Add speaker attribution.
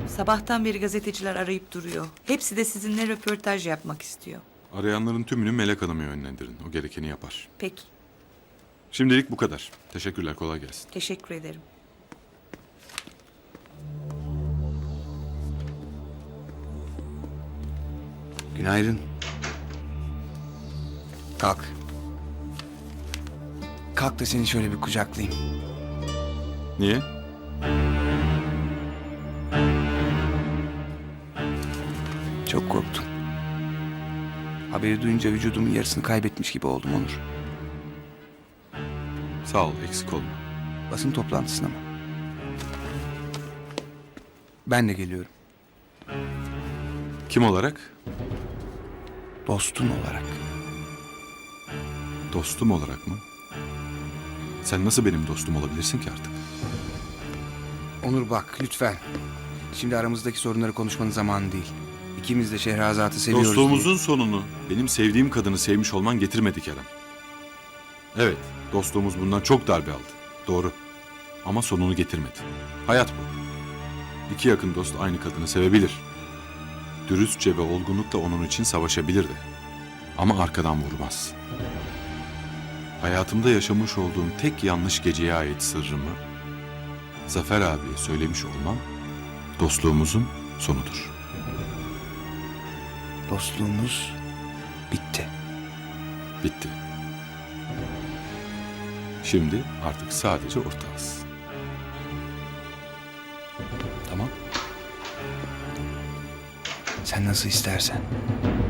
Speaker 1: Sabahtan beri gazeteciler arayıp duruyor. Hepsi de sizinle röportaj yapmak istiyor.
Speaker 2: Arayanların tümünü Melek Hanım'a yönlendirin. O gerekeni yapar.
Speaker 1: Peki,
Speaker 2: Şimdilik bu kadar. Teşekkürler, kolay gelsin.
Speaker 1: teşekkür ederim.
Speaker 3: Günaydın. Kalk. Kalk da seni şöyle bir kucaklayayım.
Speaker 2: Niye?
Speaker 3: Çok korktum. Haberi duyunca vücudumun yarısını kaybetmiş gibi oldum Onur.
Speaker 2: Sağ ol, eksik olma.
Speaker 3: Basın toplantısına mı? Ben de geliyorum.
Speaker 2: Kim olarak?
Speaker 3: Dostun olarak.
Speaker 2: Dostum olarak mı? Sen nasıl benim dostum olabilirsin ki artık?
Speaker 3: Onur bak lütfen. Şimdi aramızdaki sorunları konuşmanın zamanı değil. İkimiz de Şehrazat'ı seviyoruz
Speaker 2: Dostluğumuzun sonunu benim sevdiğim kadını sevmiş olman getirmedi Kerem. Evet, dostluğumuz bundan çok darbe aldı. Doğru. Ama sonunu getirmedi. Hayat bu. İki yakın dost aynı kadını sevebilir. Dürüstçe ve olgunlukla onun için savaşabilir de. Ama arkadan vurmaz. Hayatımda yaşamış olduğum tek yanlış geceye ait sırrımı Zafer abiye söylemiş olmam dostluğumuzun sonudur.
Speaker 3: Dostluğumuz bitti.
Speaker 2: Bitti. Şimdi artık sadece ortağız.
Speaker 3: Tamam. Sen nasıl istersen.